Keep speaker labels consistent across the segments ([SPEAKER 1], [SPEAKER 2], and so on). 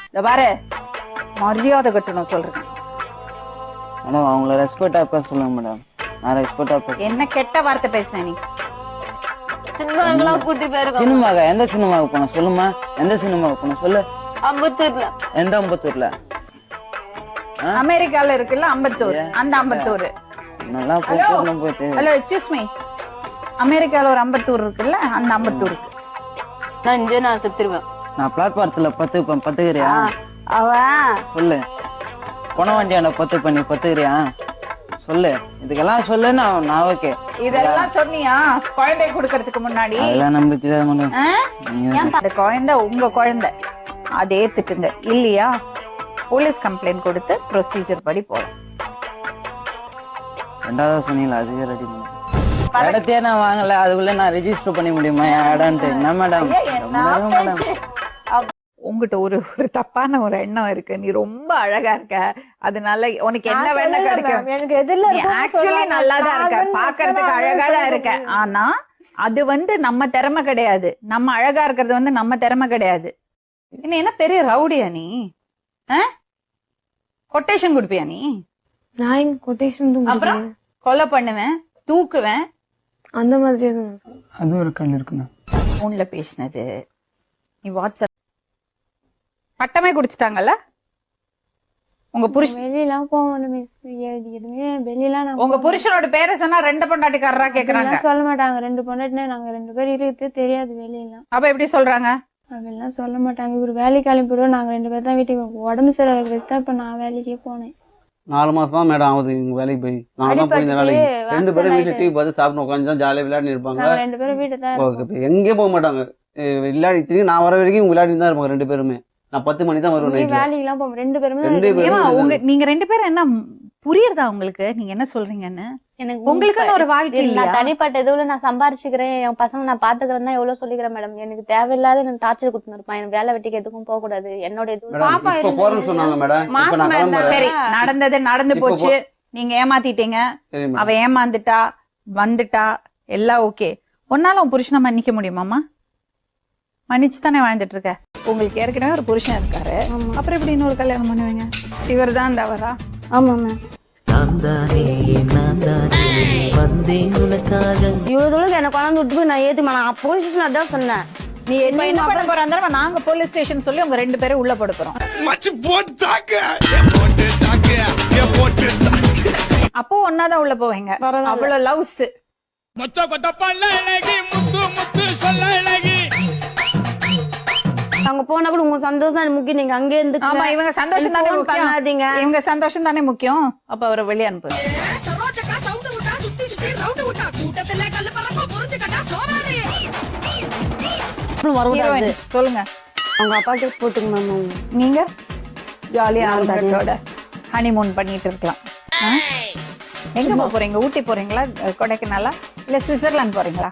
[SPEAKER 1] இந்த பாரு மரியாதை கட்டணும் சொல்றேன்.
[SPEAKER 2] மேடம் அவங்கள ரெஸ்பெக்டா பேச சொல்லுங்க மேடம். நான் ரெஸ்பெக்டா பேச.
[SPEAKER 1] என்ன கெட்ட வார்த்தை பேசுற நீ?
[SPEAKER 3] சினிமாக்கெல்லாம் கூட்டி போயிருக்கோம்.
[SPEAKER 2] சினிமாக்கா? எந்த சினிமாவுக்கு போன சொல்லுமா? எந்த சினிமாவுக்கு போன சொல்லு.
[SPEAKER 3] அம்பத்தூர்ல.
[SPEAKER 2] எந்த அம்பத்தூர்ல?
[SPEAKER 1] அமெரிக்கால இருக்குல்ல அம்பத்தூர், அந்த அம்பத்தூர்.
[SPEAKER 2] நல்லா போயிட்டு.
[SPEAKER 1] ஹலோ எக்ஸ்கியூஸ் மீ, அமெரிக்கால ஒரு அம்பத்தூர் இருக்குல்ல, அந்த அம்பத்தூருக்கு
[SPEAKER 3] நான் இங்கே நான் செத்துருவேன்.
[SPEAKER 2] நான் பிளாட்பாரத்துல பத்துக்கிறியா?
[SPEAKER 3] அவன்
[SPEAKER 2] சொல்லு. பொன வண்டியான பத்துக்கிறியா சொல்லு. இதுக்கெல்லாம் சொல்லு. நான் ஓகே.
[SPEAKER 1] இதெல்லாம் சொன்னியா குழந்தை கொடுக்கறதுக்கு முன்னாடி?
[SPEAKER 2] அதெல்லாம் நம்மளுக்கு தெரியாது மேடம்.
[SPEAKER 1] அந்த குழந்தை உங்க குழந்தை, அதை ஏத்துக்குங்க. இல்லையா போலீஸ் கம்ப்ளைண்ட் கொடுத்து ப்ரொசீஜர் படி போறோம்.
[SPEAKER 2] ரெண்டாவது சொன்னீங்களா? அதுவே ரெடி பண்ண இடத்தையே நான் வாங்கல, அதுக்குள்ள நான் ரெஜிஸ்டர் பண்ணி முடியுமா என் இடம்ட்டு? என்ன மேடம் மேடம்
[SPEAKER 1] உங்ககிட்ட ஒரு தப்பான ஒரு எண்ணம் இருக்கு. நீ ரொம்ப அழகா இருக்க, அதனால உனக்கு என்ன வேணா கிடைக்கும்.
[SPEAKER 3] எனக்கு எதிரில
[SPEAKER 1] ஆக்சுவலி நல்லாதான் இருக்க, பாக்குறதுக்கு அழகாதான் இருக்க. ஆனா அது நம்ம திறமை கிடையாது. நம்ம அழகா இருக்கிறது நம்ம திறமை கிடையாது. என்ன பெரிய ரவுடியா நீ? கொட்டேஷன் கொடுப்பியா நீ?
[SPEAKER 3] நான் எங்க கொட்டேஷன்
[SPEAKER 1] அப்புறம் கொலை பண்ணுவேன், தூக்குவேன்,
[SPEAKER 3] அந்த மாதிரி
[SPEAKER 2] அது ஒரு கல் இருக்குண்ணா.
[SPEAKER 1] போன்ல பேசினது நீ வாட்ஸ்அப் பட்டமே குடிச்சிட்டாங்கல்ல உங்க புருஷன்?
[SPEAKER 3] வெளியெல்லாம் போக எதுவுமே வெளியெல்லாம்
[SPEAKER 1] உங்க புருஷனோட பேரை சொன்னா ரெண்டு பொண்டாட்டிக்காரரா கேக்குறாங்க.
[SPEAKER 3] சொல்ல மாட்டாங்க. 2 பொண்டாட்டினா நாங்க 2 பேர் இருக்கிறதே தெரியாது வெளியெல்லாம்.
[SPEAKER 1] அப்ப எப்படி சொல்றாங்க?
[SPEAKER 3] அதெல்லாம் சொல்ல மாட்டாங்க. இவரு வேலைக்கு கிளம்பிடுவோம், நாங்க 2 பேர் தான் வீட்டுக்கு. உடம்பு சரியாக தான் இப்ப நான் வேலைக்கே போனேன்.
[SPEAKER 4] 4 மாசம் தான் மேடம் ஆகுது இங்க வேலைக்கு போய். நான் தான் போய் இந்த வேலைக்கு 2 பேரும் வீட்டுல டிவி பார்த்து சாப்பிட்டு உட்காந்து தான் ஜாலியா விளையாடி இருப்பாங்க.
[SPEAKER 3] 2 பேரும் வீட்டு தான்
[SPEAKER 4] எங்கேயும் போக மாட்டாங்க. விளையாடி திரும்பி நான் வர வரைக்கும் விளையாடி தான் இருப்பாங்க 2 பேருமே. நான் 10 மணி தான் வருவேன்.
[SPEAKER 3] வேலைக்கு எல்லாம் போவோம் 2 பேருமே.
[SPEAKER 1] நீங்க 2 பேரும் என்ன புரியுறதா உங்களுக்கு? நீங்க என்ன சொல்றீங்கன்னு?
[SPEAKER 3] எனக்கு
[SPEAKER 1] உங்களுக்கு ஒரு வாழ்க்கை இல்ல.
[SPEAKER 3] நான் தனிப்பட்ட இதுல நான் சம்பாரிச்சுக்கிறேன், என் பசங்க நான் பாத்துக்கிறேன் தான் எவ்வளவு சொல்லிக்கிறேன் மேடம். எனக்கு தேவையில்லாத எனக்கு டார்ச்சர் கொடுத்துருப்பான். எனக்கு வேலை வெட்டிக்கு எதுக்கும் போக கூடாது. என்னோட இது பாப்பா
[SPEAKER 4] போறேன்னு சொன்னாங்க மேடம்.
[SPEAKER 1] சரி, நடந்தது நடந்து போச்சு. நீங்க ஏமாத்திட்டீங்க, அவ ஏமாந்துட்டா, வந்துட்டா, எல்லாம் ஓகே. ஒன்னால உன் புருஷனை மன்னிக்க முடியுமாமா? மன்னிச்சு தானே வாழ்ந்துட்டு இருக்க. உங்களுக்கு ஏற்கனவே ஒரு புருஷன் இருக்காரு, அப்புறம் எப்படி இன்னொரு கல்யாணம் பண்ணுவீங்க? இவர் தான் தவறா?
[SPEAKER 3] ஆமா மேம். இவ்வளவு தூரம் என்ன கொண்டாந்து விட்டு போய் நான் ஏத்துமா? நான் போலீஸ் அதான் சொன்னேன்.
[SPEAKER 1] நீ என்ன பண்ண போறாங்க? நாங்க போலீஸ் ஸ்டேஷன் சொல்லி உங்க 2 பேரும் உள்ள போட போறோம். அப்போ ஒன்னாதான் உள்ள போவீங்க. அவ்வளவு லவ்ஸ்.
[SPEAKER 3] அங்க போனா கூட உங்க சந்தோஷம் தான் முக்கியம். நீங்க அங்கே இருந்து
[SPEAKER 1] ஆமா, இவங்க சந்தோஷம் தானே
[SPEAKER 3] பண்ணாதீங்க.
[SPEAKER 1] இவங்க சந்தோஷம் தானே முக்கியம். அப்ப அவரை வெளியே அனுப்பு. சொல்லுங்க.
[SPEAKER 3] அவங்க அப்பாக்கு போட்டுங்க மேம்.
[SPEAKER 1] நீங்க ஜாலியா அவங்களோட ஹனிமூன் பண்ணிட்டு இருக்கலாம். எங்க போறீங்க? ஊட்டி போறீங்களா, கொடைக்கானலா, இல்ல சுவிட்சர்லாந்து போறீங்களா?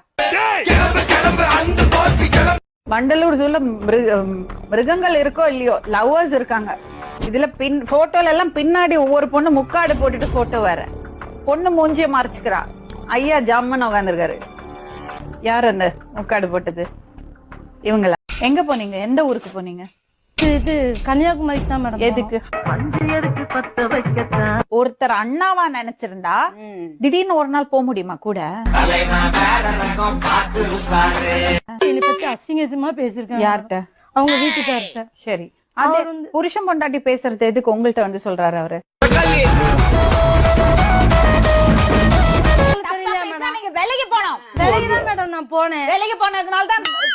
[SPEAKER 1] வண்டலூர் ஜூல மிருகங்கள் இருக்கோ இல்லையோ, லவ்வர்ஸ் இருக்காங்க. இதுல போட்டோல எல்லாம் பின்னாடி ஒவ்வொரு பொண்ணு முக்காடு போட்டுட்டு போட்டோ வேற. பொண்ணு மூஞ்சிய மறைச்சுக்கிறா. ஐயா ஜாமன் உட்காந்துருக்காரு. யார் அந்த முக்காடு போட்டது? இவங்களா? எங்க போனீங்க? எந்த ஊருக்கு போனீங்க?
[SPEAKER 3] இது கன்னியாகுமரிக்கு தான் மேடம்.
[SPEAKER 1] எதுக்கு? ஒருத்தர் அண்ணாவா நினைச்சிருந்தா திடீர்னு ஒரு நாள் போக முடியுமா கூட?
[SPEAKER 3] அசிங்கமா பேசிருக்காங்க.
[SPEAKER 1] யார்கிட்ட?
[SPEAKER 3] அவங்க வீட்டுக்கார்ட்ட.
[SPEAKER 1] சரி, அது புருஷன் பொண்டாட்டி பேசுறது எதுக்கு உங்கள்ட்ட வந்து சொல்றாரு அவரு?
[SPEAKER 3] வேலைக்கு போனோம். வேலைக்கு தான் மேடம் நான் போனேன்.
[SPEAKER 1] வேலைக்கு போனதுனால தான்